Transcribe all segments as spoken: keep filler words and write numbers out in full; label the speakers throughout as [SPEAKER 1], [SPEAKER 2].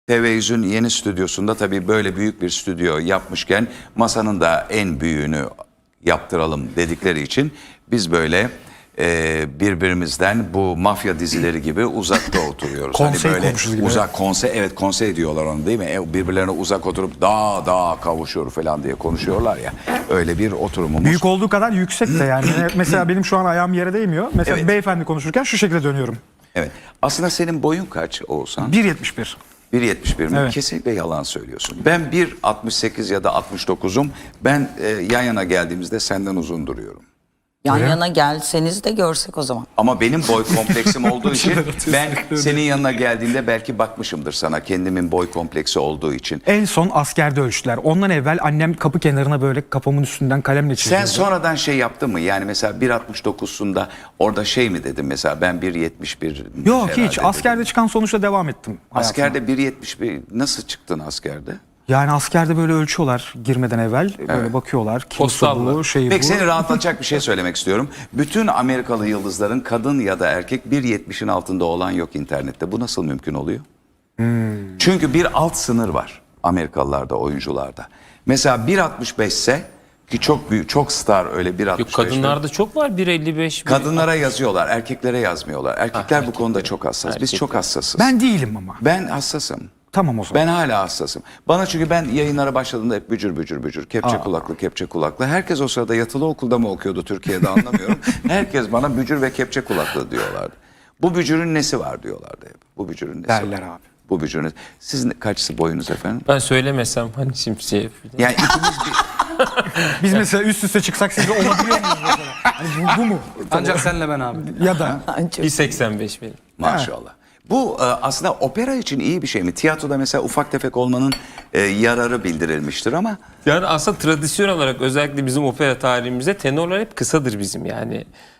[SPEAKER 1] T V yüz'ün yeni stüdyosunda tabii böyle büyük bir stüdyo yapmışken masanın da en büyüğünü yaptıralım dedikleri için biz böyle e, birbirimizden bu mafya dizileri gibi uzakta oturuyoruz.
[SPEAKER 2] Konsey
[SPEAKER 1] hani böyle
[SPEAKER 2] komşusu gibi.
[SPEAKER 1] uzak konsey, evet konsey diyorlar onu değil mi? E, birbirlerine uzak oturup daha daha kavuşuyor falan diye konuşuyorlar ya. Öyle bir oturumumuz.
[SPEAKER 2] Büyük olduğu kadar yüksek de yani. Mesela benim şu an ayağım yere değmiyor. Mesela
[SPEAKER 1] Evet.
[SPEAKER 2] beyefendi konuşurken şu şekilde dönüyorum.
[SPEAKER 1] Evet. Aslında senin boyun kaç Oğuzhan?
[SPEAKER 2] bir yetmiş bir.
[SPEAKER 1] bir yetmiş bir mi?
[SPEAKER 2] Evet.
[SPEAKER 1] Kesinlikle yalan söylüyorsun. Ben bir altmış sekiz ya da altmış dokuzum. Ben e, yan yana geldiğimizde senden uzun duruyorum.
[SPEAKER 3] Yan
[SPEAKER 2] Öyle.
[SPEAKER 3] yana gelseniz de görsek o zaman.
[SPEAKER 1] Ama benim boy kompleksim olduğu için ben senin yanına geldiğinde belki bakmışımdır sana kendimin boy kompleksi olduğu için.
[SPEAKER 2] En son askerde ölçtüler. Ondan evvel annem kapı kenarına böyle kafamın üstünden kalemle çiziyordu.
[SPEAKER 1] Sen sonradan şey yaptın mı? Yani mesela bir altmış dokuzsunda orada şey mi dedim mesela ben bir yetmiş bir
[SPEAKER 2] Yok
[SPEAKER 1] herhalde
[SPEAKER 2] hiç.
[SPEAKER 1] dedim.
[SPEAKER 2] Askerde çıkan sonuçta devam ettim hayatıma.
[SPEAKER 1] Askerde bir yetmiş bir nasıl çıktın askerde?
[SPEAKER 2] Yani askerde böyle ölçüyorlar girmeden evvel. Böyle bakıyorlar. Kilosu
[SPEAKER 4] Postalla.
[SPEAKER 2] bu, şeyi
[SPEAKER 1] Peki
[SPEAKER 2] bu.
[SPEAKER 1] seni rahatlatacak bir şey söylemek istiyorum. Bütün Amerikalı yıldızların kadın ya da erkek bir yetmişin altında olan yok internette. Bu nasıl mümkün oluyor?
[SPEAKER 2] Hmm.
[SPEAKER 1] Çünkü bir alt sınır var Amerikalılarda, oyuncularda. Mesela bir altmış beş ise ki çok büyük, çok star öyle bir altmış beş.
[SPEAKER 4] Yok, kadınlarda çok var bir elli beş.
[SPEAKER 1] Kadınlara yazıyorlar, erkeklere yazmıyorlar. Erkekler bu konuda çok hassas. Biz
[SPEAKER 4] Erkekler.
[SPEAKER 1] çok hassasız.
[SPEAKER 2] Ben değilim ama.
[SPEAKER 1] Ben hassasım.
[SPEAKER 2] Tamam o zaman.
[SPEAKER 1] Ben hala hassasım. Bana çünkü ben yayınlara başladığımda hep bücür bücür bücür. Kepçe
[SPEAKER 2] Aa.
[SPEAKER 1] kulaklı, kepçe kulaklı. Herkes o sırada yatılı okulda mı okuyordu Türkiye'de anlamıyorum. Herkes bana bücür ve kepçe kulaklı diyorlardı. Bu bücürün nesi var diyorlardı hep. Bu bücürün nesi
[SPEAKER 2] Derler
[SPEAKER 1] var?
[SPEAKER 2] abi.
[SPEAKER 1] Bu bücürün. Sizin kaçısı boyunuz efendim?
[SPEAKER 4] Ben söylemesem hani şimdi şey.
[SPEAKER 1] Yani ikimiz bir...
[SPEAKER 2] Biz mesela üst üste çıksak sizle olabiliyor muyuz mesela? Hani bu, bu mu?
[SPEAKER 5] Ancak senle ben abi.
[SPEAKER 2] Ya da
[SPEAKER 4] bir seksen beş benim.
[SPEAKER 1] Maşallah. Bu e, aslında opera için iyi bir şey mi? Tiyatroda mesela ufak tefek olmanın e, yararı bildirilmiştir ama...
[SPEAKER 4] Yani aslında tradisyon olarak özellikle bizim opera tarihimizde tenorlar hep kısadır bizim yani.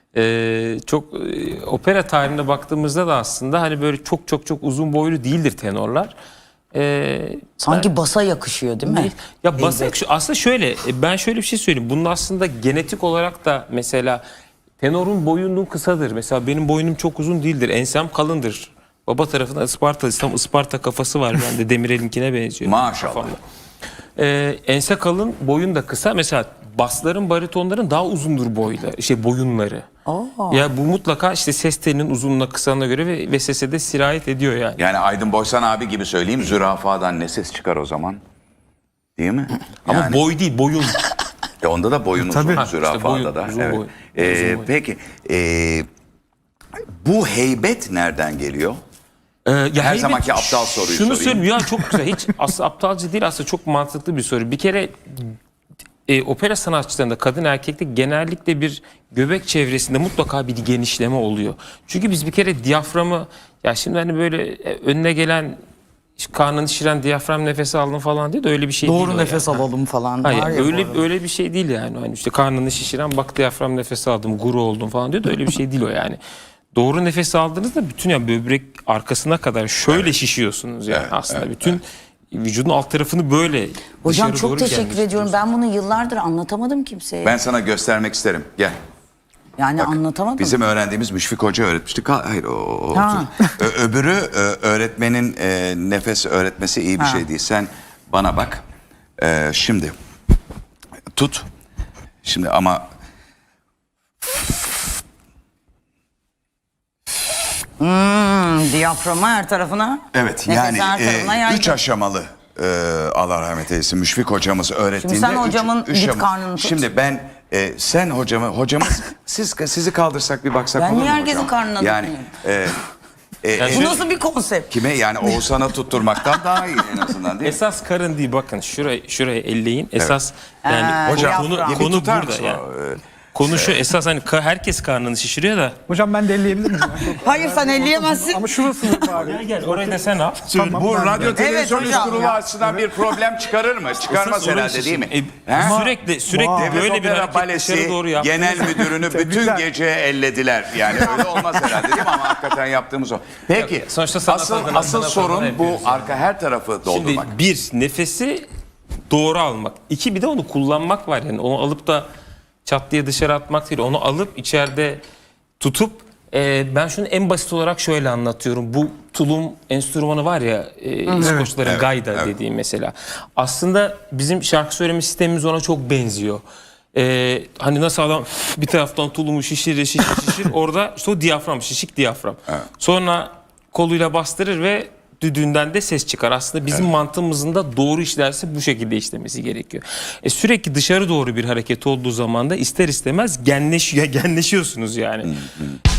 [SPEAKER 4] Ee, çok e, opera tarihine baktığımızda da aslında hani böyle çok çok çok uzun boylu değildir tenorlar. Ee,
[SPEAKER 3] Sanki basa yakışıyor değil mi?
[SPEAKER 4] Ya basak şu aslında şöyle e, ben şöyle bir şey söyleyeyim. Bunun aslında genetik olarak da mesela tenorun boyunluğu kısadır. Mesela benim boynum çok uzun değildir. Ensem kalındır. Baba tarafından Isparta, tam Isparta kafası var bende. Demirel'inkine benziyor.
[SPEAKER 1] Maşallah.
[SPEAKER 4] Kafamda. Ee, ense kalın, boyun da kısa. Mesela basların, baritonların daha uzundur boyla, şey boyunları.
[SPEAKER 3] Aa.
[SPEAKER 4] Ya bu mutlaka işte ses telinin uzunluğuna kısalığına göre ve, ve sese de sirayet ediyor yani.
[SPEAKER 1] Yani Aydın Boysan abi gibi söyleyeyim, zürafadan ne ses çıkar o zaman? Değil mi?
[SPEAKER 4] Ama
[SPEAKER 1] Yani,
[SPEAKER 4] boy değil, boyun.
[SPEAKER 1] e onda da boyun uzun,
[SPEAKER 2] Tabii.
[SPEAKER 1] zürafada
[SPEAKER 4] İşte boyun,
[SPEAKER 1] da.
[SPEAKER 4] uzun
[SPEAKER 1] Evet.
[SPEAKER 4] boy.
[SPEAKER 1] Ee,
[SPEAKER 4] Uzun boy.
[SPEAKER 1] peki, e, bu heybet nereden geliyor?
[SPEAKER 4] Ee, ya
[SPEAKER 1] Her
[SPEAKER 4] heybet-
[SPEAKER 1] zamanki aptal soruyu
[SPEAKER 4] Şunu
[SPEAKER 1] sorayım.
[SPEAKER 4] söyleyeyim ya, çok güzel. Hiç aslında aptalca değil, aslında çok mantıklı bir soru. Bir kere e, opera sanatçılarında kadın erkekte genellikle bir göbek çevresinde mutlaka bir genişleme oluyor. Çünkü biz bir kere diyaframı, ya şimdi hani böyle e, önüne gelen karnını şişiren diyafram nefesi aldın falan diye de öyle bir şey değil.
[SPEAKER 3] Doğru
[SPEAKER 4] o
[SPEAKER 3] nefes
[SPEAKER 4] yani.
[SPEAKER 3] alalım falan.
[SPEAKER 4] Hayır,
[SPEAKER 3] var ya bu
[SPEAKER 4] öyle
[SPEAKER 3] arada.
[SPEAKER 4] öyle bir şey değil yani. Hani işte karnını şişiren bak diyafram nefesi aldım, guru oldum falan diyor da öyle bir şey değil o yani. Doğru nefes aldığınızda bütün yani böbrek arkasına kadar şöyle şişiyorsunuz yani
[SPEAKER 1] Evet,
[SPEAKER 4] aslında
[SPEAKER 1] evet,
[SPEAKER 4] bütün vücudun alt tarafını böyle
[SPEAKER 3] Hocam
[SPEAKER 4] dışarı
[SPEAKER 3] çok
[SPEAKER 4] doğru
[SPEAKER 3] teşekkür
[SPEAKER 4] gelmiş
[SPEAKER 3] ediyorum.
[SPEAKER 4] tutuyorsunuz.
[SPEAKER 3] Ben bunu yıllardır anlatamadım kimseye.
[SPEAKER 1] Ben sana göstermek isterim. Gel.
[SPEAKER 3] yani
[SPEAKER 1] Bak,
[SPEAKER 3] anlatamadım.
[SPEAKER 1] Bizim öğrendiğimiz Müşfik Hoca öğretmişti. Ka- Hayır o, o
[SPEAKER 3] Ha.
[SPEAKER 1] Ö- öbürü e, öğretmenin e, nefes öğretmesi iyi bir
[SPEAKER 3] Ha.
[SPEAKER 1] şey değil. Sen bana bak. E, şimdi tut. Şimdi ama
[SPEAKER 3] Hmm, diyaframa her tarafına.
[SPEAKER 1] evet
[SPEAKER 3] nefes
[SPEAKER 1] yani
[SPEAKER 3] her tarafına
[SPEAKER 1] e,
[SPEAKER 3] yaydım.
[SPEAKER 1] üç aşamalı e, Allah rahmet eylesin Müşfik hocamız öğrettiğinde.
[SPEAKER 3] sen
[SPEAKER 1] üç-
[SPEAKER 3] hocamın
[SPEAKER 1] üç
[SPEAKER 3] git
[SPEAKER 1] ama-
[SPEAKER 3] karnını tut.
[SPEAKER 1] Şimdi ben e, sen hocamı hocamız siz sizi kaldırsak bir baksak
[SPEAKER 3] Ben
[SPEAKER 1] olur mu
[SPEAKER 3] niye
[SPEAKER 1] hocam?
[SPEAKER 3] herkesin karnına
[SPEAKER 1] Yani e, e,
[SPEAKER 4] Yani
[SPEAKER 1] e,
[SPEAKER 3] Bu nasıl bir konsept?
[SPEAKER 1] kime yani Oğuzhan'a tutturmaktan daha iyi en azından değil mi?
[SPEAKER 4] Esas karın değil, bakın şuraya şuraya elleyin. Esas yani
[SPEAKER 3] Ha,
[SPEAKER 1] Hocam
[SPEAKER 4] konu,
[SPEAKER 3] diyafram.
[SPEAKER 1] bir
[SPEAKER 4] konu
[SPEAKER 1] tutar
[SPEAKER 4] burada
[SPEAKER 1] mısın
[SPEAKER 4] yani.
[SPEAKER 1] o, e,
[SPEAKER 4] Konu şu, esas hani ka- herkes karnını şişiriyor da.
[SPEAKER 2] hocam ben de elleyebilir miyim? ya?
[SPEAKER 3] Hayır sen elleyemezsin.
[SPEAKER 2] Ama şurası bari.
[SPEAKER 4] Gel gel orayı da sen al.
[SPEAKER 2] Tamam,
[SPEAKER 1] Bu
[SPEAKER 2] ben de.
[SPEAKER 1] radyo televizyon
[SPEAKER 3] hocam
[SPEAKER 1] üst kurulu
[SPEAKER 3] ya.
[SPEAKER 1] açısından bir problem çıkarır mı? Çıkarmaz
[SPEAKER 4] Esas orayı
[SPEAKER 1] herhalde değil mi?
[SPEAKER 4] şişir- E,
[SPEAKER 1] He?
[SPEAKER 4] sürekli sürekli
[SPEAKER 2] Vay.
[SPEAKER 1] Devlet
[SPEAKER 4] böyle bir
[SPEAKER 1] Opera
[SPEAKER 4] hareket
[SPEAKER 1] Balesi
[SPEAKER 4] dışarı doğru yap.
[SPEAKER 1] genel müdürünü bütün
[SPEAKER 2] Tebrikler.
[SPEAKER 1] gece ellediler. Yani öyle olmaz herhalde değil mi? Ama hakikaten yaptığımız o. Peki
[SPEAKER 4] sonuçta sanat
[SPEAKER 1] asıl,
[SPEAKER 4] adına,
[SPEAKER 1] asıl
[SPEAKER 4] sanat
[SPEAKER 1] sorun
[SPEAKER 4] adına
[SPEAKER 1] bu
[SPEAKER 4] yapıyoruz
[SPEAKER 1] arka her tarafı doldurmak.
[SPEAKER 4] Şimdi bir, nefesi doğru almak. İki, bir de onu kullanmak var yani. Onu alıp da çat diye dışarı atmak değil. Onu alıp içeride tutup Ee, ben şunu en basit olarak şöyle anlatıyorum. Bu tulum enstrümanı var ya, e, İskoçların
[SPEAKER 1] Evet,
[SPEAKER 4] gayda
[SPEAKER 1] evet.
[SPEAKER 4] dediğim mesela. Aslında bizim şarkı söyleme sistemimiz ona çok benziyor. Ee, hani nasıl adam bir taraftan tulumu şişirir şişir şişir orada işte o diyafram, şişik diyafram. Sonra koluyla bastırır ve düdüğünden de ses çıkar. Aslında bizim mantığımızın da doğru işlerse bu şekilde işlemesi gerekiyor. E, sürekli dışarı doğru bir hareket olduğu zaman da ister istemez genleşiyor, genleşiyorsunuz yani.